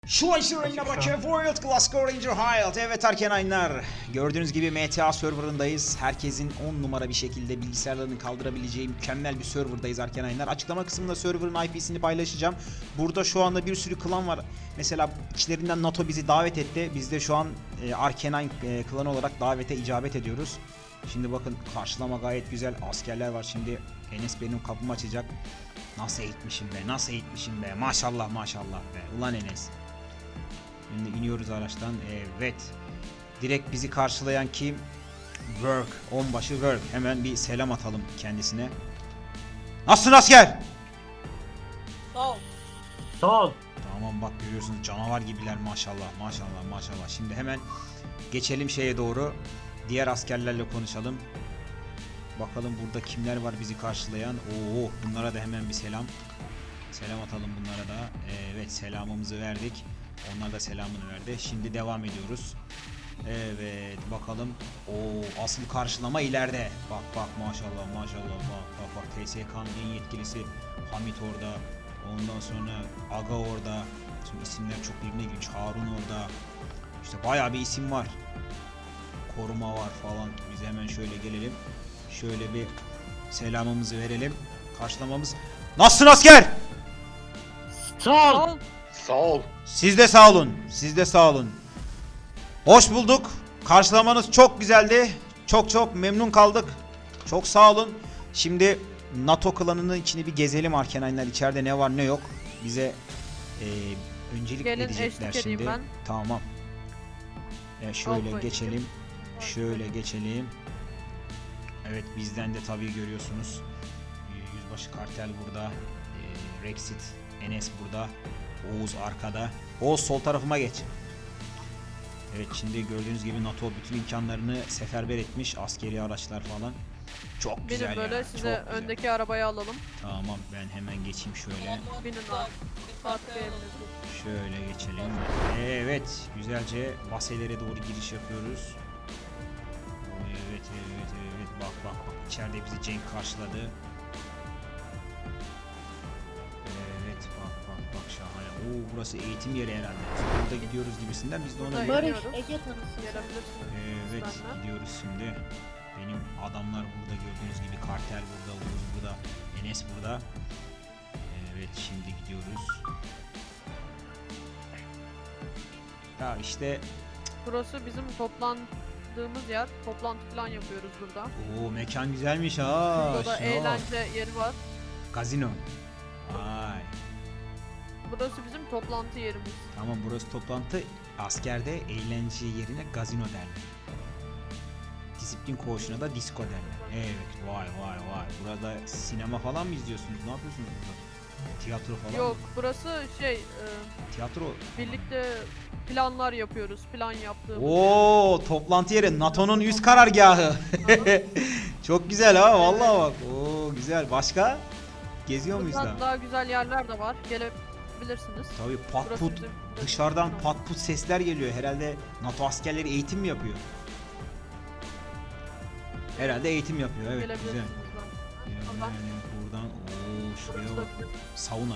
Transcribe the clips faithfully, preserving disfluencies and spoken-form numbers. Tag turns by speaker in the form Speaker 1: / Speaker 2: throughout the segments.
Speaker 1: Şu aşırı bakın World Class Ranger Hild. Evet Arkenaynlar, gördüğünüz gibi M T A serverındayız. Herkesin on numara bir şekilde bilgisayarlarını kaldırabileceği mükemmel bir serverdayız Arkenaynlar. Açıklama kısmında serverın I P'sini paylaşacağım. Burada şu anda bir sürü klan var. Mesela içlerinden NATO bizi davet etti. Biz de şu an e, Arkenine e, klanı olarak davete icabet ediyoruz. Şimdi bakın karşılama gayet güzel. Askerler var. Şimdi Enes benim kapımı açacak. Nasıl eğitmişim be, nasıl eğitmişim be. Maşallah maşallah be. Ulan Enes. Şimdi iniyoruz araçtan. Evet. Direkt bizi karşılayan kim? Work. Onbaşı Work. Hemen bir selam atalım kendisine. Nasılsın asker?
Speaker 2: Sağ ol.
Speaker 3: Sağ ol.
Speaker 1: Tamam bak görüyorsunuz canavar gibiler maşallah maşallah maşallah. Şimdi hemen geçelim şeye doğru. Diğer askerlerle konuşalım. Bakalım burada kimler var bizi karşılayan. Oo, bunlara da hemen bir selam. Selam atalım bunlara da. Evet, selamımızı verdik. Onlar da selamını verdi. Şimdi devam ediyoruz. Evet bakalım. Oo, asıl karşılama ileride. Bak bak maşallah maşallah bak bak bak T S K'nın en yetkilisi Hamit orada. Ondan sonra Aga orada. Şimdi isimler çok birbirine girmiş. Harun orada. İşte bayağı bir isim var. Koruma var falan. Biz hemen şöyle gelelim. Şöyle bir selamımızı verelim. Karşılamamız. Nasılsın asker?
Speaker 3: Sağ ol.
Speaker 2: Sağ ol.
Speaker 4: Sağ ol.
Speaker 1: Siz de sağ olun. Siz de sağ olun. Hoş bulduk. Karşılamanız çok güzeldi. Çok çok memnun kaldık. Çok sağ olun. Şimdi NATO klanının içini bir gezelim Arkenaynlar. İçeride ne var ne yok. Bize e, öncelik
Speaker 2: Gelin,
Speaker 1: edecekler
Speaker 2: eşlik edeyim
Speaker 1: şimdi.
Speaker 2: ben.
Speaker 1: Tamam. E, şöyle
Speaker 2: Al
Speaker 1: geçelim. Şöyle geçelim. Evet bizden de tabii görüyorsunuz. E, Yüzbaşı Kartel burada. E, Rexit, Enes burada. Oğuz arkada. Oğuz sol tarafıma geç. Evet şimdi gördüğünüz gibi NATO bütün imkanlarını seferber etmiş. Askeri araçlar falan. Çok güzel
Speaker 2: Benim böyle
Speaker 1: ya.
Speaker 2: size
Speaker 1: çok güzel.
Speaker 2: öndeki arabayı alalım.
Speaker 1: Tamam ben hemen geçeyim şöyle.
Speaker 2: Binin abi. Artık eviniz.
Speaker 1: Şöyle geçelim. Evet güzelce baselere doğru giriş yapıyoruz. Evet evet evet bak bak bak içeride bizi Cenk karşıladı. Evet bak bak bak şahane. Oo burası eğitim yeri herhalde. Burada gidiyoruz gibisinden biz de ona
Speaker 2: Burada
Speaker 1: göre.
Speaker 2: iniyoruz.
Speaker 5: Barış, Ege tanısın.
Speaker 2: Gelebilirsiniz.
Speaker 1: Evet
Speaker 2: Benden.
Speaker 1: gidiyoruz şimdi. Benim adamlar burada gördüğünüz gibi Kartel burada, Uğuz burada, Enes burada. Evet şimdi gidiyoruz. Ya işte
Speaker 2: Burası bizim toplandığımız yer. Toplantı falan yapıyoruz burada.
Speaker 1: o mekan güzelmiş ha.
Speaker 2: Burada da
Speaker 1: şuna bak.
Speaker 2: eğlence yeri var.
Speaker 1: Gazino. Vay.
Speaker 2: Burası bizim toplantı yerimiz.
Speaker 1: Tamam burası toplantı. Askerde eğlence yerine gazino derler. Disiplin koğuşuna da disco derler. Evet vay vay vay. Burada sinema falan mı izliyorsunuz? Ne yapıyorsunuz burada? Tiyatro falan
Speaker 2: Yok
Speaker 1: mı?
Speaker 2: burası şey e,
Speaker 1: Tiyatro.
Speaker 2: birlikte planlar yapıyoruz. Plan yaptığımız.
Speaker 1: Oo toplantı yeri NATO'nun üst karargahı. Çok güzel ha vallahi bak. Oo güzel. Başka? Geziyor muyuz
Speaker 2: Buradan
Speaker 1: da?
Speaker 2: daha güzel yerler de var. Gelebilirsiniz.
Speaker 1: Tabii pat
Speaker 2: Burası
Speaker 1: put
Speaker 2: bizim-
Speaker 1: dışarıdan pat put sesler geliyor. Herhalde NATO askerleri eğitim mi yapıyor? Herhalde eğitim yapıyor. Evet güzel.
Speaker 2: Gelebilirsiniz ben.
Speaker 1: Yani buradan ooo şuraya bak. Sauna.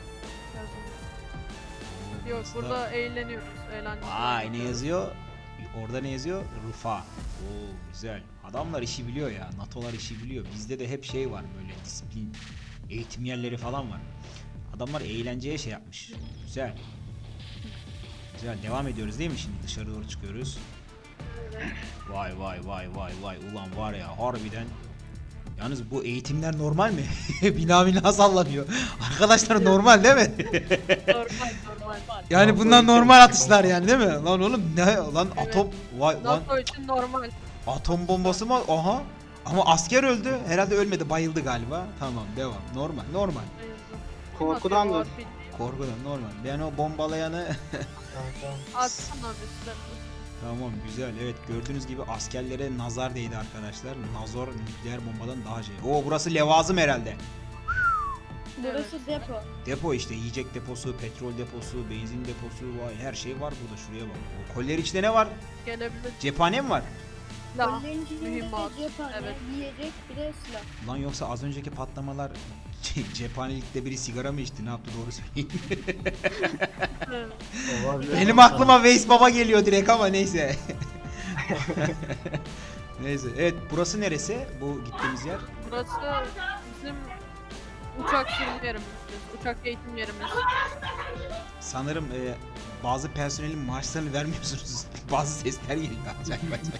Speaker 1: Oo,
Speaker 2: Yok
Speaker 1: burası da-
Speaker 2: burada eğleniyoruz. Eğlence.
Speaker 1: Vay ne yazıyor? Orada ne yazıyor? Rufa. Oo güzel. Adamlar işi biliyor ya. NATO'lar işi biliyor. Bizde de hep şey var böyle disiplin eğitim yerleri falan var. Adamlar eğlenceye şey yapmış. Güzel. Güzel. Devam ediyoruz değil mi şimdi? Dışarı doğru çıkıyoruz. Vay vay vay vay vay. Ulan var ya harbiden. Yalnız bu eğitimler normal mi? bina bina sallanıyor. Arkadaşlar normal değil mi?
Speaker 2: Normal normal.
Speaker 1: Yani bunlar normal atışlar yani değil mi? Lan oğlum ne lan
Speaker 2: Evet.
Speaker 1: atom vay lan
Speaker 2: NATO için normal.
Speaker 1: atom bombası mı? Aha. Ama asker öldü. Herhalde ölmedi, bayıldı galiba. Tamam, devam. Normal, normal.
Speaker 5: Korkudan
Speaker 2: da.
Speaker 5: da.
Speaker 1: Korkudan normal. Ben o bombalayanı
Speaker 2: Atsana bir silahını.
Speaker 1: Tamam, güzel. Evet, gördüğünüz gibi askerlere nazar değdi arkadaşlar. Nazor nükleer bombadan daha şey. Oo, burası levazım herhalde.
Speaker 5: Burası depo.
Speaker 1: Depo işte, yiyecek deposu, petrol deposu, benzin deposu, vay her şey var burada. Şuraya bak. O koliler içinde ne var?
Speaker 2: Gelebilir.
Speaker 1: Cephane mi var?
Speaker 2: Silah.
Speaker 5: Kollerin içinde
Speaker 2: mühimmat,
Speaker 5: cephane,
Speaker 2: evet.
Speaker 5: yiyecek bir de silah.
Speaker 1: Lan yoksa az önceki patlamalar Cephanelikte biri sigara mı içti? Ne yaptı doğru söyleyin.
Speaker 3: Olabilir
Speaker 1: Benim
Speaker 3: komutanım.
Speaker 1: aklıma Veys Baba geliyor direkt ama neyse. Neyse. Evet, burası neresi? Bu gittiğimiz yer.
Speaker 2: Burası bizim uçak sürüm yerimiz. Uçak eğitim yerimiz.
Speaker 1: Sanırım e, bazı personelin maaşlarını vermiyorsunuz. Bazı sesler geliyor. Acayip acayip.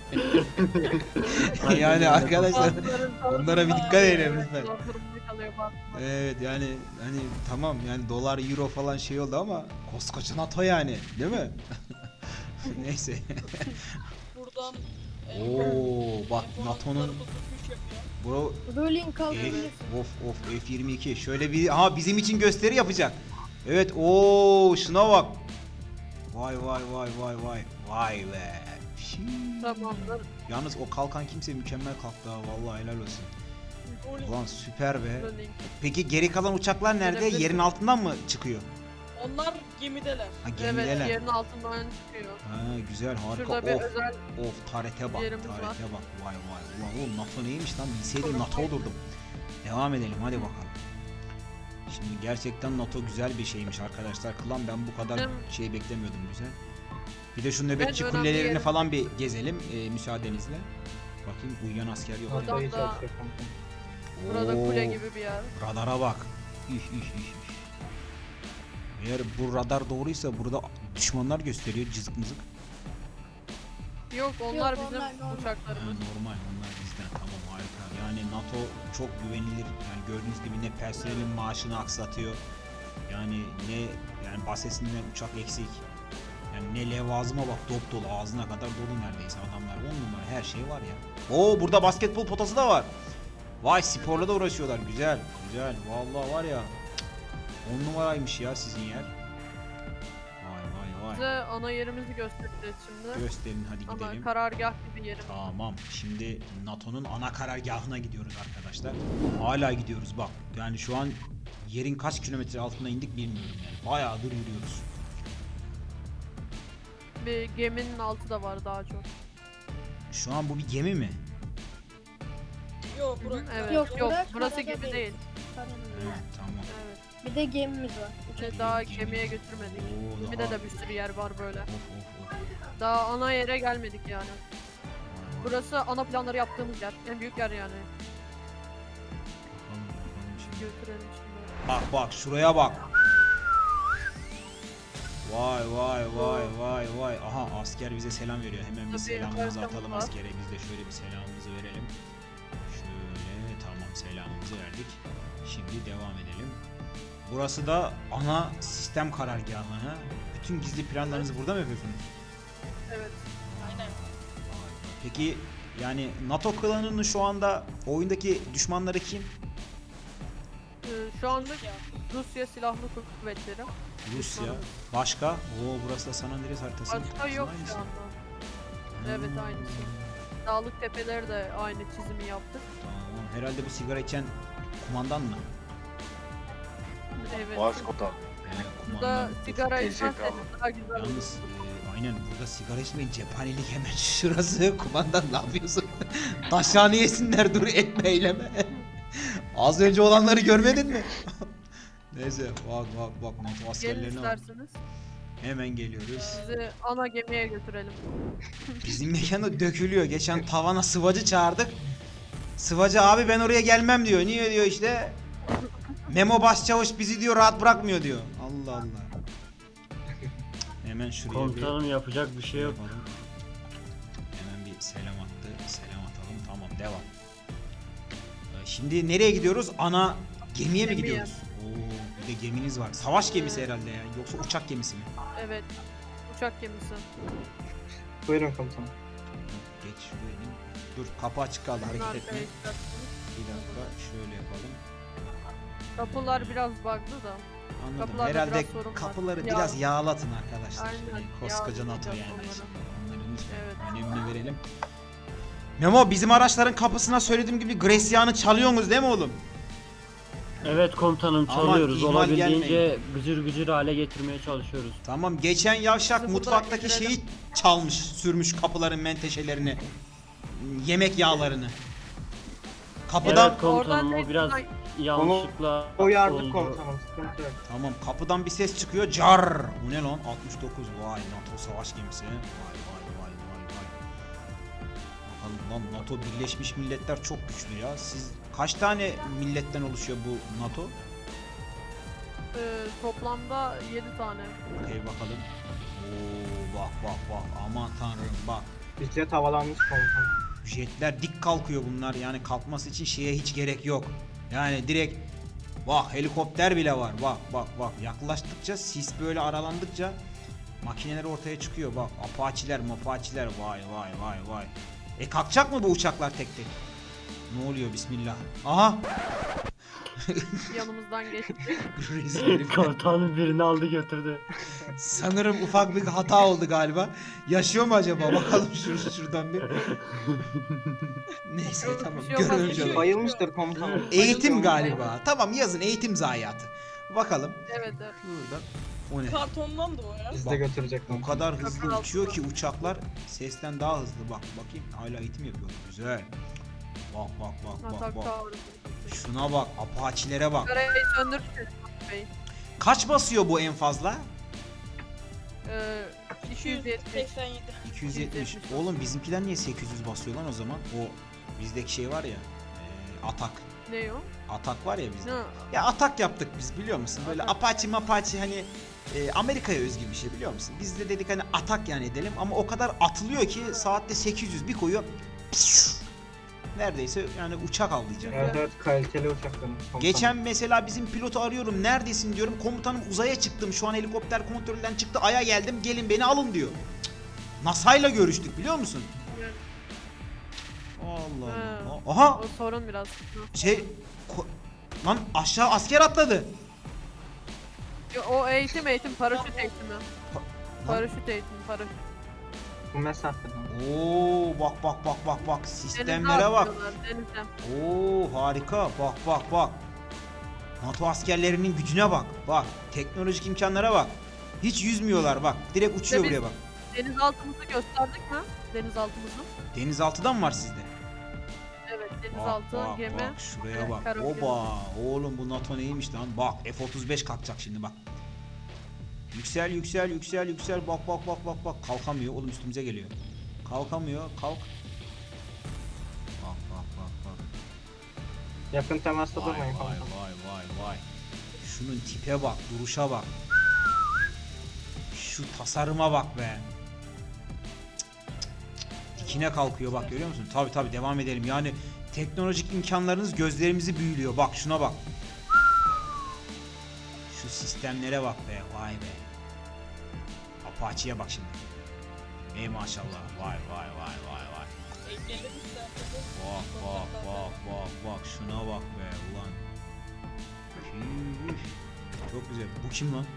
Speaker 1: Yani arkadaşlar onlara bir dikkat edelim lütfen.
Speaker 2: Zor durumda kalıyor bazıları.
Speaker 1: Evet yani hani tamam yani dolar euro falan şey oldu ama koskoca NATO yani değil mi? Neyse.
Speaker 4: Buradan
Speaker 1: Oo bak NATO'nun bro
Speaker 5: Rolling
Speaker 1: F,
Speaker 5: kaldırabilirsin.
Speaker 1: of of F yirmi iki şöyle bir aha bizim için gösteri yapacak. Evet ooo şuna bak. Vay vay vay vay vay vay be. Şiii.
Speaker 2: Tamamdır.
Speaker 1: Yalnız o kalkan kimse mükemmel kalktı ha vallahi helal olsun. Ulan süper be.
Speaker 2: Rolling.
Speaker 1: Peki geri kalan uçaklar nerede?
Speaker 2: Gelebilirsin.
Speaker 1: Yerin altından mı çıkıyor?
Speaker 4: onlar gemideler.
Speaker 1: Ha
Speaker 2: Evet,
Speaker 1: gemideler.
Speaker 2: yerin altından çıkıyor.
Speaker 1: Ha güzel harika.
Speaker 2: Şurada bir
Speaker 1: Of
Speaker 2: özel
Speaker 1: of tarete bak
Speaker 2: yerimiz
Speaker 1: tarete
Speaker 2: var.
Speaker 1: bak. Vay vay. Ulan oğlum NATO neymiş lan? Bilseydim
Speaker 2: Koruma.
Speaker 1: NATO olurdum. Devam edelim hadi bakalım. Şimdi gerçekten NATO güzel bir şeymiş arkadaşlar. Klan ben bu kadar
Speaker 2: Hem-
Speaker 1: şey beklemiyordum güzel. Bir de şu nöbetçi
Speaker 2: önemli
Speaker 1: kulelerini
Speaker 2: yerim.
Speaker 1: falan bir gezelim e, müsaadenizle. Bakayım uyuyan asker yok.
Speaker 2: Adam
Speaker 3: Kafayı
Speaker 2: da-
Speaker 3: çalışıyor komutanım.
Speaker 2: burada
Speaker 1: Oo,
Speaker 2: kule gibi bir yer.
Speaker 1: Radara bak. Üh, üh, üh, üh. Eğer bu radar doğruysa burada düşmanlar gösteriyor cızık mızık.
Speaker 2: Yok onlar
Speaker 5: Yok,
Speaker 2: bizim
Speaker 5: onlar normal.
Speaker 1: Ha,
Speaker 2: uçaklarımız.
Speaker 1: normal onlar bizden tamam harika. Yani NATO çok güvenilir. Yani gördüğünüz gibi ne personelin maaşını aksatıyor. Yani ne yani basesinden uçak eksik. Yani ne levazıma bak dop dolu ağzına kadar dolu neredeyse adamlar. On numara her şey var ya. Oo burada basketbol potası da var. Vay sporla da uğraşıyorlar. Güzel güzel. Vallahi var ya. On numaraymış ya sizin yer. Vay vay vay.
Speaker 2: Size ana yerimizi göstereceğiz şimdi.
Speaker 1: Gösterin hadi
Speaker 2: Ana
Speaker 1: gidelim.
Speaker 2: karargah gibi yerimiz.
Speaker 1: Tamam. Şimdi NATO'nun ana karargahına gidiyoruz arkadaşlar. Hala gidiyoruz bak. Yani şu an yerin kaç kilometre altına indik bilmiyorum yani. Bayağıdır yürüyoruz.
Speaker 2: Bir geminin altı da var daha çok.
Speaker 1: Şu an bu bir gemi mi?
Speaker 4: Yok
Speaker 2: Hı hı,
Speaker 4: bırak.
Speaker 2: evet.
Speaker 5: Yok,
Speaker 2: Yok,
Speaker 5: bırak,
Speaker 2: burası
Speaker 5: karada
Speaker 2: gibi
Speaker 5: değil.
Speaker 2: değil.
Speaker 5: Paranın
Speaker 1: Evet,
Speaker 5: değil.
Speaker 1: tamam.
Speaker 2: Evet.
Speaker 5: Bir de gemimiz var.
Speaker 2: İşte
Speaker 1: Bir
Speaker 2: daha
Speaker 1: gemi.
Speaker 2: gemiye götürmedik.
Speaker 1: Oo,
Speaker 2: Gemide
Speaker 1: daha-
Speaker 2: de bir sürü yer var böyle.
Speaker 1: Of of of.
Speaker 2: Daha ana yere gelmedik yani.
Speaker 1: Vay vay.
Speaker 2: Burası ana planları yaptığımız yer. En büyük yer yani.
Speaker 1: Bakalım, bakalım şimdi.
Speaker 2: Götürelim şimdi.
Speaker 1: Bak bak şuraya bak. Vay vay vay vay vay. Aha asker bize selam veriyor. Hemen bir
Speaker 2: Tabii,
Speaker 1: selamımızı
Speaker 2: haritamız
Speaker 1: atalım
Speaker 2: var.
Speaker 1: askere. Biz de şöyle bir selamımızı verelim. Şöyle tamam selamımızı verdik. Şimdi devam edelim. Burası da ana sistem karargahı. Ha? Bütün gizli planlarınızı burada mı yapıyorsunuz?
Speaker 2: Evet.
Speaker 4: Aynen.
Speaker 1: Vay vay. Peki yani NATO klanının şu anda oyundaki düşmanları kim?
Speaker 2: Ee, şu anda
Speaker 4: Ya.
Speaker 2: Rusya Silahlı Kuvvetleri.
Speaker 1: Rusya.
Speaker 2: Düşmanımız.
Speaker 1: Başka? Oo burası da San Andreas haritası.
Speaker 2: Başka yok
Speaker 1: Aynısı.
Speaker 2: şu anda. Evet,
Speaker 1: Hmm.
Speaker 2: aynısı. Dağlık tepeleri de aynı çizimi yaptık.
Speaker 1: Tamam. Herhalde bu sigara içen kumandan mı?
Speaker 2: Evet.
Speaker 6: Vasco'da.
Speaker 1: Evet,
Speaker 2: Burada
Speaker 1: kumandan.
Speaker 2: sigara
Speaker 6: Tezgah
Speaker 2: içmezseniz daha güzel olur.
Speaker 1: Yalnız e, aynen burada sigara içmeyin cephanelik hemen şurası. Kumandan ne yapıyorsun? Taşhane yesinler dur etme eyleme. Az önce olanları görmedin mi? Neyse bak bak bak NATO
Speaker 2: Gelin
Speaker 1: askerlerine bak.
Speaker 2: isterseniz
Speaker 1: Hemen geliyoruz.
Speaker 2: sizi ana gemiye götürelim.
Speaker 1: Bizim mekanda dökülüyor. Geçen tavana sıvacı çağırdık. Sıvacı abi ben oraya gelmem diyor. Niye diyor işte. Memo Başçavuş bizi diyor rahat bırakmıyor diyor. Allah Allah. Hemen şuraya
Speaker 3: Komutanım yapacak bir
Speaker 1: bir
Speaker 3: şey yok.
Speaker 1: yapalım. Hemen bir selam attı. Selam atalım. Tamam devam. Ee, Şimdi nereye gidiyoruz? Ana gemiye mi
Speaker 2: Gemiye.
Speaker 1: gidiyoruz? Oo, bir de geminiz var. Savaş gemisi herhalde ya. Yoksa uçak gemisi mi?
Speaker 2: Evet. Uçak gemisi.
Speaker 3: Buyurun komutanım.
Speaker 1: Geç şuraya in. Dur kapı açık kaldı
Speaker 2: Bunu
Speaker 1: hareket etme.
Speaker 2: arkaya çıkartırız.
Speaker 1: Bir dakika şöyle yapalım.
Speaker 2: Kapılar biraz bug'lı da.
Speaker 1: Anladım.
Speaker 2: Kapılarda
Speaker 1: Herhalde
Speaker 2: biraz sorun var.
Speaker 1: kapıları
Speaker 2: Yağ-
Speaker 1: biraz yağlatın arkadaşlar.
Speaker 2: Aynen,
Speaker 1: Yani koskoca NATO
Speaker 2: yağlayacağız
Speaker 1: yani.
Speaker 2: onları.
Speaker 1: Şimdi onların lütfen
Speaker 2: Evet.
Speaker 1: önemini verelim. Memo bizim araçların kapısına söylediğim gibi Gracia'nı çalıyorsunuz değil mi oğlum?
Speaker 3: Evet komutanım
Speaker 1: Aman,
Speaker 3: çalıyoruz.
Speaker 1: ihmal
Speaker 3: Olabildiğince gıcır gıcır hale getirmeye çalışıyoruz.
Speaker 1: Tamam geçen yavşak
Speaker 2: Bizi
Speaker 1: mutfaktaki
Speaker 2: buradan
Speaker 1: şeyi çalmış, sürmüş kapıların menteşelerini. Yemek yağlarını. Kapıdan
Speaker 3: Evet komutanım
Speaker 2: Oradan
Speaker 3: o biraz
Speaker 2: tek-
Speaker 3: yanlışlıkla
Speaker 6: Uyardık
Speaker 3: oldu.
Speaker 6: komutanım, sıkıntı yok.
Speaker 1: Tamam, kapıdan bir ses çıkıyor. Car. Bu ne lan? altmış dokuz. Vay, NATO savaş gemisi. Vay vay vay vay vay. Bakalım lan, NATO Birleşmiş Milletler çok güçlü ya. Siz kaç tane milletten oluşuyor bu NATO?
Speaker 2: Ee, toplamda yedi tane.
Speaker 1: Okey bakalım. Oo bak bak bak. Aman tanrım bak.
Speaker 6: Bizce havalanmış komutanım.
Speaker 1: Jetler dik kalkıyor bunlar, yani kalkması için şeye hiç gerek yok. Yani direkt bak, helikopter bile var, bak bak bak, yaklaştıkça sis böyle aralandıkça makineler ortaya çıkıyor, bak apaçiler mapaçiler, vay vay vay vay. E kalkacak mı bu uçaklar tek tek? Ne oluyor, bismillah. Aha.
Speaker 2: Yanımızdan geçti.
Speaker 1: Rezil herif.
Speaker 3: Komutanım birini aldı götürdü.
Speaker 1: Sanırım ufak bir hata oldu galiba. Yaşıyor mu acaba? Bakalım şur şuradan bir. Neyse tamam.
Speaker 2: Bir şey olmaz,
Speaker 1: Görelim
Speaker 2: bir şey
Speaker 1: canım.
Speaker 6: Bayılmıştır komutanım.
Speaker 1: Eğitim galiba. Tamam, yazın eğitim zayiatı. Bakalım.
Speaker 2: Evet evet.
Speaker 1: Buradan. O ne?
Speaker 4: Kartondan da o ya.
Speaker 6: Biz
Speaker 1: Bak,
Speaker 6: de götürecek
Speaker 1: O
Speaker 6: komutanım.
Speaker 1: kadar hızlı
Speaker 2: Çok
Speaker 1: uçuyor
Speaker 2: altı.
Speaker 1: ki uçaklar sesten daha hızlı. Bak bakayım, hala eğitim yapıyor. Güzel. Bak bak bak bak
Speaker 2: Atak
Speaker 1: bak.
Speaker 2: Tower.
Speaker 1: Şuna bak, apaçilere bak.
Speaker 2: Karayı söndürürsün Bey.
Speaker 1: Kaç basıyor bu en fazla?
Speaker 2: Ee, iki yüz yetmiş.
Speaker 4: seksen yedi.
Speaker 1: iki yüz yetmiş. Oğlum bizimkiler niye sekiz yüz basıyor lan o zaman? O bizdeki şey var ya. E, atak.
Speaker 2: Ne o?
Speaker 1: Atak var ya bizde.
Speaker 2: Ne?
Speaker 1: Ya atak yaptık biz, biliyor musun? Böyle
Speaker 2: Atak.
Speaker 1: Apache mapache, hani e, Amerika'ya özgü bir şey, biliyor musun? Biz de dedik hani atak yani edelim, ama o kadar atılıyor ki saatte sekiz yüz bir koyuyor. Pişt! Neredeyse yani uçak avlayacak.
Speaker 6: Evet evet, kaliteli uçaklarımız komutanım.
Speaker 1: Geçen mesela bizim pilotu arıyorum, neredesin diyorum, komutanım uzaya çıktım, şu an helikopter kontrolden çıktı, aya geldim, gelin beni alın diyor. Cık. NASA'yla görüştük, biliyor musun?
Speaker 2: Evet.
Speaker 1: Allah
Speaker 2: He.
Speaker 1: Allah. Aha
Speaker 2: O sorun biraz. Hı.
Speaker 1: şey ko- lan aşağı asker atladı.
Speaker 2: Yo, O eğitim eğitim paraşüt eğitimi.
Speaker 1: Lan.
Speaker 2: Paraşüt eğitimi paraşüt.
Speaker 6: Bu mesafeden.
Speaker 1: Oo bak bak bak bak bak,
Speaker 2: Denize
Speaker 1: sistemlere bak.
Speaker 2: atıyorlar, denize.
Speaker 1: Oo harika, bak bak bak. NATO askerlerinin gücüne bak. Bak teknolojik imkanlara bak. Hiç yüzmüyorlar bak. Direkt uçuyor
Speaker 2: biz-
Speaker 1: buraya bak.
Speaker 2: Denizaltımızı gösterdik mi? Denizaltımızı.
Speaker 1: Denizaltıdan mı var sizde?
Speaker 2: Evet
Speaker 1: Bak
Speaker 2: denizaltı
Speaker 1: bak
Speaker 2: gemi.
Speaker 1: bak şuraya
Speaker 2: Evet,
Speaker 1: bak.
Speaker 2: karabiber.
Speaker 1: Oba oğlum, bu NATO neymiş lan? Bak F otuz beş kalkacak şimdi bak. Yüksel yüksel yüksel yüksel, bak bak bak bak bak, kalkamıyor oğlum, üstümüze geliyor. Kalkamıyor, kalk. Bak bak bak bak.
Speaker 6: Yakın temasta
Speaker 1: Vay
Speaker 6: durmayın
Speaker 1: vay
Speaker 6: komutanım.
Speaker 1: vay vay vay. Şunun tipe bak, duruşa bak. Şu tasarıma bak be. Dikine kalkıyor bak, görüyor musun? Tabi tabi, devam edelim. Yani teknolojik imkanlarınız gözlerimizi büyülüyor. Bak şuna bak. Şu sistemlere bak be. Vay be. Apache'ye bak şimdi. Ey maşallah. Vay vay vay vay vay.
Speaker 4: Engelledik de.
Speaker 1: Bak bak bak bak bak, şuna bak be ulan. Üf. Çok güzel. Bu kim lan?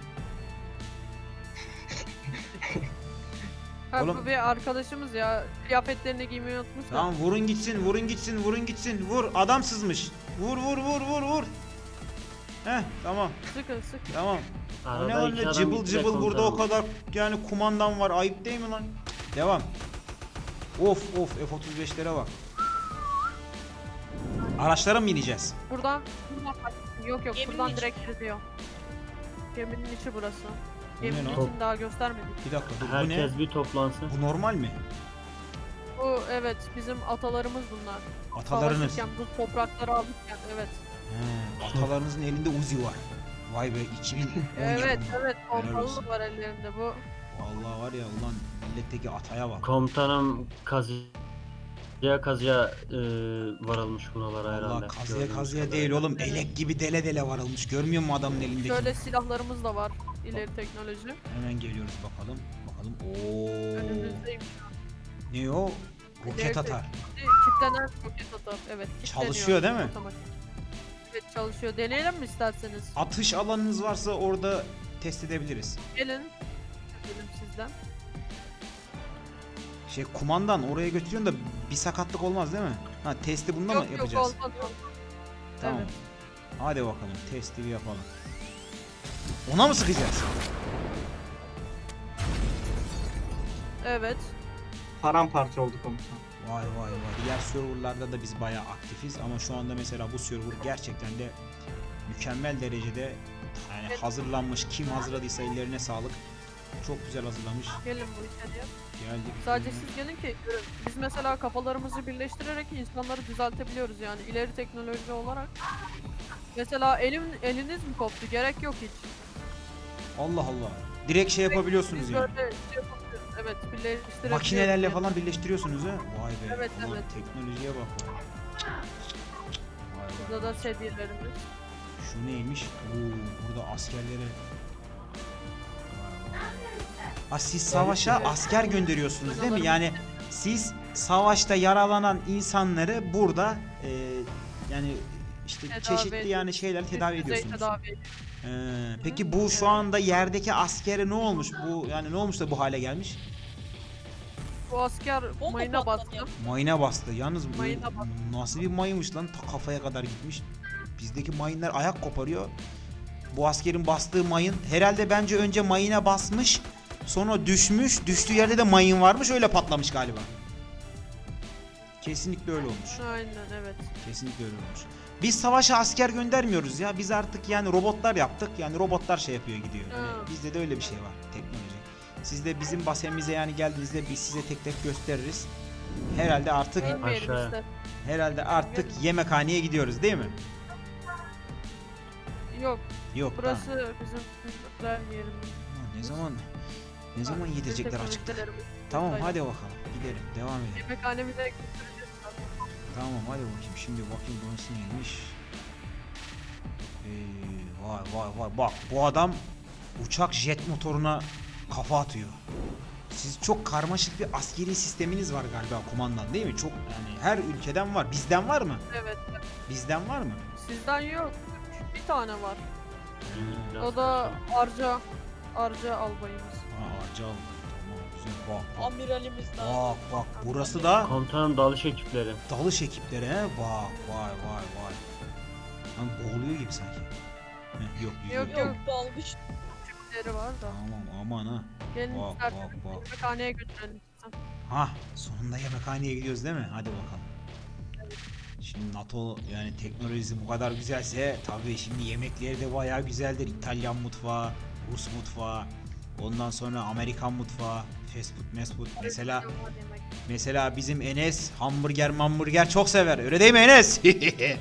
Speaker 2: Ha,
Speaker 1: Oğlum-
Speaker 2: bu bir arkadaşımız ya. Kıyafetlerini giymeyi unutmuş da.
Speaker 1: Tamam, vurun gitsin, vurun gitsin, vurun gitsin. Vur, adam sızmış. Vur vur vur vur vur. Heh, tamam
Speaker 2: Sıkın sıkın.
Speaker 1: tamam. O ne
Speaker 3: Arada
Speaker 1: öyle
Speaker 3: iki adam
Speaker 1: cıbıl
Speaker 3: gitti
Speaker 1: cıbıl, burada o
Speaker 3: komutanım.
Speaker 1: kadar yani kumandan var, ayıp değil mi lan? Devam. Of of, F otuz beşlere bak. Araçlara mı bineceğiz?
Speaker 2: Buradan, buradan kaç- Yok yok
Speaker 4: Geminin
Speaker 2: buradan
Speaker 4: içi.
Speaker 2: direkt gidiyor. Geminin içi burası.
Speaker 1: Bu ne
Speaker 2: Geminin
Speaker 1: lan?
Speaker 2: içini daha göstermedik.
Speaker 1: Bir dakika dur, bu ne?
Speaker 3: Herkes bir toplansın.
Speaker 1: Bu normal mi?
Speaker 2: Bu evet bizim atalarımız bunlar.
Speaker 1: Atalarınız.
Speaker 2: Savaşırken bu toprakları alırken evet.
Speaker 1: He, atalarınızın elinde Uzi var. Vay be, iki bin on
Speaker 2: Evet
Speaker 1: yapımı.
Speaker 2: evet
Speaker 1: Helal
Speaker 2: pompalı
Speaker 1: olsun.
Speaker 2: da var ellerinde bu.
Speaker 1: Vallahi var ya ulan, milletteki ataya bak.
Speaker 3: Komutanım kazıya kazıya e, varılmış buralara herhalde.
Speaker 1: Allah kazıya
Speaker 3: gördüğümüz
Speaker 1: kazıya
Speaker 3: kadarıyla.
Speaker 1: değil oğlum, elek gibi dele dele varılmış. Görmüyor musun adamın elindeki?
Speaker 2: Şöyle silahlarımız da var. İleri teknoloji.
Speaker 1: Hemen geliyoruz bakalım. Bakalım. Oo.
Speaker 2: Önümüzdeymiş.
Speaker 1: Ne o? Roket
Speaker 2: İleri
Speaker 1: atar.
Speaker 2: Kitlenen roket atar. Evet. kilitleniyor
Speaker 1: Çalışıyor değil mi?
Speaker 2: otomatik. Evet çalışıyor. Deneyelim mi isterseniz?
Speaker 1: Atış alanınız varsa orada test edebiliriz.
Speaker 2: Gelin. Dedim sizden.
Speaker 1: Şey, kumandan oraya götürüyorsun da bir sakatlık olmaz değil mi? Ha, testi bunda
Speaker 2: yok
Speaker 1: mı
Speaker 2: yok
Speaker 1: yapacağız?
Speaker 2: olmaz olmaz.
Speaker 1: Tamam.
Speaker 2: Evet.
Speaker 1: Hadi bakalım, testi bir yapalım. Ona mı sıkacağız?
Speaker 2: Evet.
Speaker 6: paramparça oldu komutan.
Speaker 1: Vay vay vay. Diğer serverlarda da biz bayağı aktifiz ama şu anda mesela bu server gerçekten de mükemmel derecede yani hazırlanmış. Kim hazırladıysa ellerine sağlık. Çok güzel hazırlamış.
Speaker 2: Gelin bu içeriye.
Speaker 1: Geldik.
Speaker 2: Sadece siz gelin ki görün. Biz mesela kafalarımızı birleştirerek insanları düzeltebiliyoruz yani ileri teknoloji olarak. Mesela elim eliniz mi koptu? Gerek yok hiç.
Speaker 1: Allah Allah. Direkt şey yapabiliyorsunuz
Speaker 2: Biz
Speaker 1: yani.
Speaker 2: böyle şey yapabiliyoruz. Evet, birleştirebiliyoruz.
Speaker 1: Makinelerle
Speaker 2: yani.
Speaker 1: falan birleştiriyorsunuz ha. Vay be.
Speaker 2: Evet,
Speaker 1: Ulan
Speaker 2: evet.
Speaker 1: teknolojiye bak. Vay vay.
Speaker 2: Burada da sedyelerimiz.
Speaker 1: Şu neymiş? Oo, burada askerlere. Ha, siz savaşa asker gönderiyorsunuz değil mi? Yani siz savaşta yaralanan insanları burada e, yani işte
Speaker 2: Tedavi
Speaker 1: çeşitli
Speaker 2: ediyoruz.
Speaker 1: yani şeyler tedavi
Speaker 2: Üst düzey
Speaker 1: ediyorsunuz.
Speaker 2: tedavi ediyoruz.
Speaker 1: Ee, peki bu şu anda yerdeki askere ne olmuş? Bu yani ne olmuş da bu hale gelmiş?
Speaker 2: Bu asker
Speaker 4: Bomba
Speaker 2: mayına bastı.
Speaker 4: patladı.
Speaker 1: Mayına bastı. Yalnız bu
Speaker 2: Mayına bastı.
Speaker 1: nasıl bir mayınmış lan? Ta kafaya kadar gitmiş. Bizdeki mayınlar ayak koparıyor. Bu askerin bastığı mayın herhalde bence önce mayına basmış. Sonra düşmüş. Düştüğü yerde de mayın varmış. Öyle patlamış galiba. Kesinlikle öyle olmuş.
Speaker 2: Aynen evet.
Speaker 1: Kesinlikle öyle olmuş. Biz savaşa asker göndermiyoruz ya. Biz artık yani robotlar yaptık. Yani robotlar şey yapıyor gidiyor. Yani
Speaker 2: Ha.
Speaker 1: bizde de öyle bir şey var. Teknoloji. Siz de bizim basemize yani geldiğinizde biz size tek tek gösteririz. Herhalde artık
Speaker 2: Bilmeyelim
Speaker 3: Aşağı.
Speaker 2: işte.
Speaker 1: herhalde artık yemekhaneye gidiyoruz değil mi?
Speaker 2: Yok
Speaker 1: Yok.
Speaker 2: burası
Speaker 1: tamam.
Speaker 2: bizim güzel yerimiz.
Speaker 1: Ulan Ne zaman ne zaman yedirecekler açıkta?
Speaker 2: Teknolojilerimiz.
Speaker 1: Tamam
Speaker 2: Aynen.
Speaker 1: hadi bakalım. Gidelim. Devam edelim.
Speaker 2: Yemekhanemize götüreceğiz.
Speaker 1: Tamam hadi bakayım. Şimdi bakayım burası neymiş. Ee, vay vay vay. Bak bu adam uçak jet motoruna kafa atıyor. Siz çok karmaşık bir askeri sisteminiz var galiba kumandan değil mi? Çok yani her ülkeden var. Bizden var mı?
Speaker 2: Evet.
Speaker 1: Bizden var mı?
Speaker 2: Sizden yok. Bir tane var.
Speaker 3: Biraz
Speaker 2: O da
Speaker 3: kaçalım.
Speaker 2: Arca. Arca albayımız.
Speaker 1: Ha Arcal. Tamam güzel. Bak bak.
Speaker 4: Amiralimiz daha.
Speaker 1: Bak bak. Burası da
Speaker 3: Komutanım dalış ekipleri.
Speaker 1: dalış ekipleri he. Bak vay vay vay. Lan boğuluyor gibi sanki. Heh, yok yüzüyor.
Speaker 2: Yok,
Speaker 4: Yok
Speaker 2: yok.
Speaker 4: dalmış.
Speaker 2: Küçükleri var da.
Speaker 1: Tamam aman ha.
Speaker 2: Gelin
Speaker 1: Bak,
Speaker 2: isterseniz
Speaker 1: bak, bak.
Speaker 2: yemekhaneye götürelim. sizi.
Speaker 1: Ha sonunda yemekhaneye gidiyoruz değil mi? Hadi bakalım. Şimdi NATO yani teknolojisi bu kadar güzelse tabii şimdi yemekleri de bayağı güzeldir. İtalyan mutfağı, Rus mutfağı, ondan sonra Amerikan mutfağı, fast food, fast food. Mesela
Speaker 2: Yemek.
Speaker 1: mesela bizim Enes hamburger hamburger çok sever. Öyle değil mi Enes?
Speaker 4: Tabii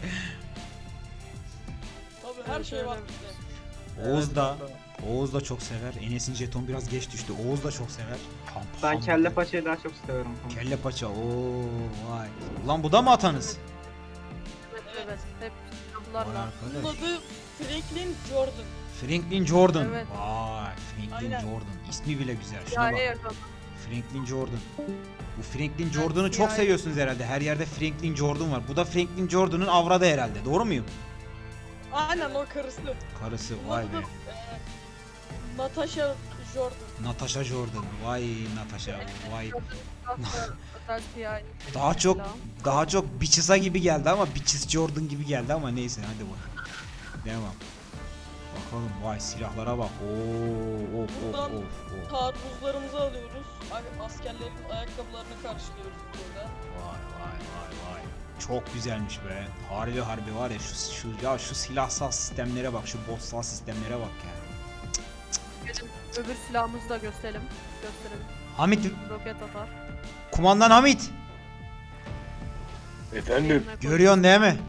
Speaker 4: her şey var bizde.
Speaker 1: Oğuz da Oğuz da çok sever. Enes'in jeton biraz geç düştü. Oğuz da çok sever. Ham-
Speaker 6: Ben
Speaker 1: hamburger.
Speaker 6: kelle paçayı daha çok severim komutan.
Speaker 1: Kelle paça. Oo vay. Ulan bu da mı atanız?
Speaker 2: Evet evet. Hep
Speaker 1: Vay
Speaker 2: silahlarla.
Speaker 4: Bunun
Speaker 1: arkadaş.
Speaker 4: adı Franklin Jordan.
Speaker 1: Franklin Jordan.
Speaker 2: Evet.
Speaker 1: Vay Franklin
Speaker 4: Aynen.
Speaker 1: Jordan. İsmi bile güzel. Şuna
Speaker 2: Yani
Speaker 1: bak.
Speaker 2: yakın.
Speaker 1: Franklin Jordan. Bu Franklin Jordan'ı çok
Speaker 2: C I A.
Speaker 1: seviyorsunuz herhalde. Her yerde Franklin Jordan var. Bu da Franklin Jordan'ın avradı herhalde. Doğru muyum?
Speaker 4: Aynen o karısı.
Speaker 1: Karısı.
Speaker 4: Bunun
Speaker 1: Vay
Speaker 4: adı
Speaker 1: be.
Speaker 4: e, Natasha Jordan.
Speaker 1: Natasha Jordan. Vay Natasha. Vay.
Speaker 2: Özel C I A.
Speaker 1: Daha çok
Speaker 2: Silah.
Speaker 1: daha çok Bitches'a gibi geldi ama Bitches Jordan gibi geldi ama neyse hadi bak. Devam. Bakalım vay silahlara bak. Oo of of
Speaker 4: Buradan
Speaker 1: of of.
Speaker 4: Taarruzlarımızı alıyoruz. A- Askerlerin ayakkabılarını karşılıyoruz burada.
Speaker 1: Vay vay vay vay. Çok güzelmiş be. Harbi harbi var ya şu şu ya şu silahsal sistemlere bak, şu bossal sistemlere bak ya.
Speaker 2: Gelin öbür silahımızı da gösterelim. Gösterelim.
Speaker 1: Hamit,
Speaker 2: Roket atar.
Speaker 1: kumandan Hamit.
Speaker 7: Efendim,
Speaker 2: Eline koy.
Speaker 1: Görüyorsun değil mi?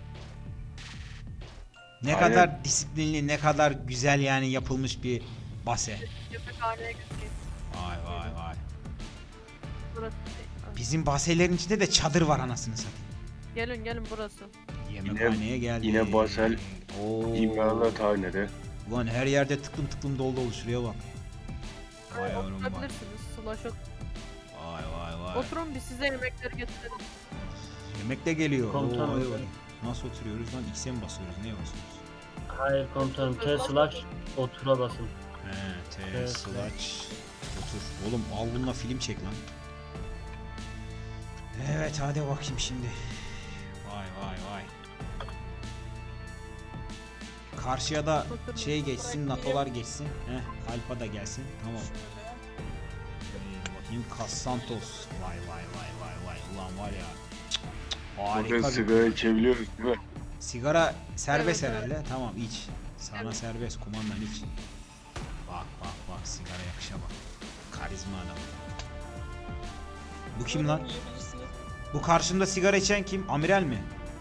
Speaker 1: Ne
Speaker 7: Aynen.
Speaker 1: kadar disiplinli, ne kadar güzel yani yapılmış bir base.
Speaker 2: Yemekhaneye götüreyim.
Speaker 1: Vay vay vay.
Speaker 2: Burası.
Speaker 1: Bizim baselerin içinde de çadır var anasını satayım.
Speaker 2: Gelin gelin burası.
Speaker 1: Yemekhaneye geldik.
Speaker 7: yine basel
Speaker 1: Oo.
Speaker 7: İmranat hanede.
Speaker 1: Ulan her yerde tıklım tıklım dolu dolu şuraya bak. Vay yavrum vay.
Speaker 2: Oturabilirsiniz. Slash ot-
Speaker 1: Vay vay vay.
Speaker 2: Oturun biz size yemekleri getirelim.
Speaker 1: Yemek de geliyor.
Speaker 3: Komutanım.
Speaker 1: Oo, hadi bakayım. Nasıl oturuyoruz lan? X'e mi basıyoruz? Neye basıyoruz?
Speaker 3: Hayır komutanım T slash otura basın.
Speaker 1: He, T
Speaker 3: Evet.
Speaker 1: slash otur. Oğlum al bununla film çek lan. Evet hadi bakayım şimdi. Vay vay vay. Karşıya da
Speaker 2: Oturun.
Speaker 1: şey geçsin, NATO'lar geçsin. Heh, Alfa da gelsin. Tamam.
Speaker 4: Şöyle.
Speaker 1: Ee, Bakayım Casantos. Vay vay vay vay vay. Ulan var ya. Cık, cık, harika
Speaker 7: Burada
Speaker 1: bir...
Speaker 7: sigara içebiliyoruz değil mi?
Speaker 1: Sigara serbest
Speaker 2: Evet,
Speaker 1: herhalde. Tamam iç. Sana
Speaker 2: Evet.
Speaker 1: serbest kumandan iç. Bak bak bak sigara yakışa bak. Karizma adam. Bu kim lan?
Speaker 4: Buyurun, yiyebilirsiniz.
Speaker 1: Bu karşımda sigara içen kim? Amiral mi?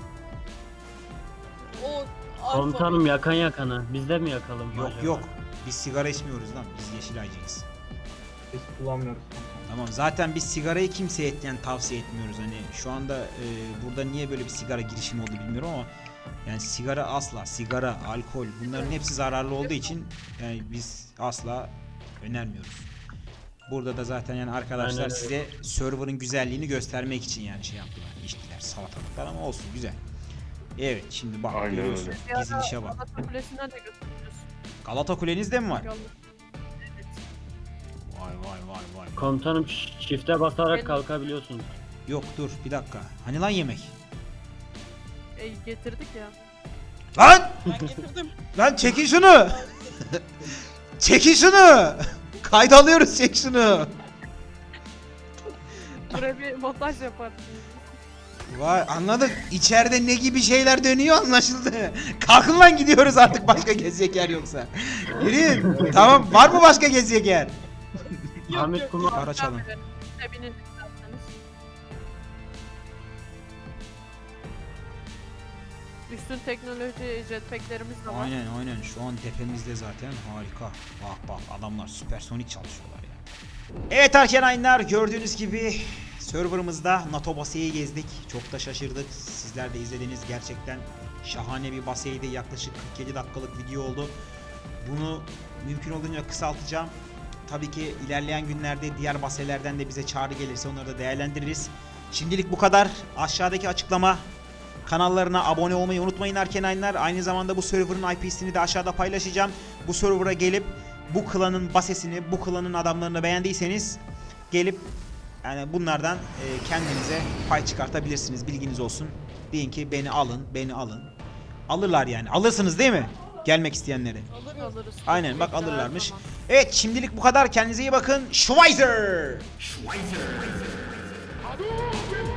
Speaker 4: O alfa.
Speaker 3: Komutanım yakan yakana. Biz de mi yakalım?
Speaker 1: Yok
Speaker 3: acaba?
Speaker 1: yok. Biz sigara içmiyoruz lan. Biz Yeşilaycıyız.
Speaker 6: Biz kullanmıyoruz komutanım.
Speaker 1: Tamam zaten biz sigarayı kimseye yani tavsiye etmiyoruz. Hani şu anda e, burada niye böyle bir sigara girişimi oldu bilmiyorum ama yani sigara asla, sigara, alkol bunların hepsi zararlı olduğu için yani biz asla önermiyoruz. Burada da zaten yani arkadaşlar
Speaker 3: Aynen öyle.
Speaker 1: size server'ın güzelliğini göstermek için yani şey yaptılar. İçtiler salatalıklar ama olsun güzel. Evet şimdi bak
Speaker 7: Aynen
Speaker 1: görüyorsun
Speaker 7: öyle.
Speaker 2: Bir ara
Speaker 1: dizilişe bak.
Speaker 2: Galata Kulesi'ne de götürürüz.
Speaker 1: Galata Kulenizde mi var?
Speaker 2: Yalnız. Evet.
Speaker 1: Vay vay vay vay.
Speaker 3: Komutanım ş- çifte basarak
Speaker 2: Ben-
Speaker 3: kalkabiliyorsunuz.
Speaker 1: Yok dur bir dakika. Hani lan yemek?
Speaker 2: E, getirdik ya.
Speaker 1: Lan!
Speaker 4: Ben getirdim.
Speaker 1: Lan çekin şunu! Çekin şunu! Kayda alıyoruz çek şunu.
Speaker 2: Buraya bir montaj yaparsın.
Speaker 1: Vay anladık. İçeride ne gibi şeyler dönüyor anlaşıldı. Kalkın lan gidiyoruz artık başka gezecek yer yoksa. Yürüyün. Tamam var mı başka gezecek yer?
Speaker 4: Yok,
Speaker 3: Ahmet
Speaker 4: yok.
Speaker 3: Kumar.
Speaker 1: Araç alın.
Speaker 2: Ebinin isterseniz. Üstün teknoloji jetpacklerimiz de var.
Speaker 1: Aynen aynen şu an tepemizde zaten harika. Bak bak adamlar süpersonik çalışıyorlar ya. Evet Arkenaynlar gördüğünüz gibi serverımızda NATO baseyi gezdik. Çok da şaşırdık. Sizler de izlediniz. Gerçekten şahane bir baseydi. Yaklaşık kırk yedi dakikalık video oldu. Bunu mümkün olduğunca kısaltacağım. Tabii ki ilerleyen günlerde diğer baselerden de bize çağrı gelirse onları da değerlendiririz. Şimdilik bu kadar. Aşağıdaki açıklama kanallarına abone olmayı unutmayın Arkenaynlar. Aynı zamanda bu server'ın I P'sini de aşağıda paylaşacağım. Bu server'a gelip bu klanın basesini, bu klanın adamlarını beğendiyseniz gelip yani bunlardan e, kendinize pay çıkartabilirsiniz. Bilginiz olsun. Deyin ki beni alın, beni alın. Alırlar yani. Alırsınız değil mi? Gelmek isteyenleri.
Speaker 4: Alırız.
Speaker 2: Alırız.
Speaker 1: Aynen bak
Speaker 2: Her
Speaker 1: alırlarmış.
Speaker 2: zaman.
Speaker 1: Evet şimdilik bu kadar. Kendinize iyi bakın. Schweizer!
Speaker 8: Hadouken!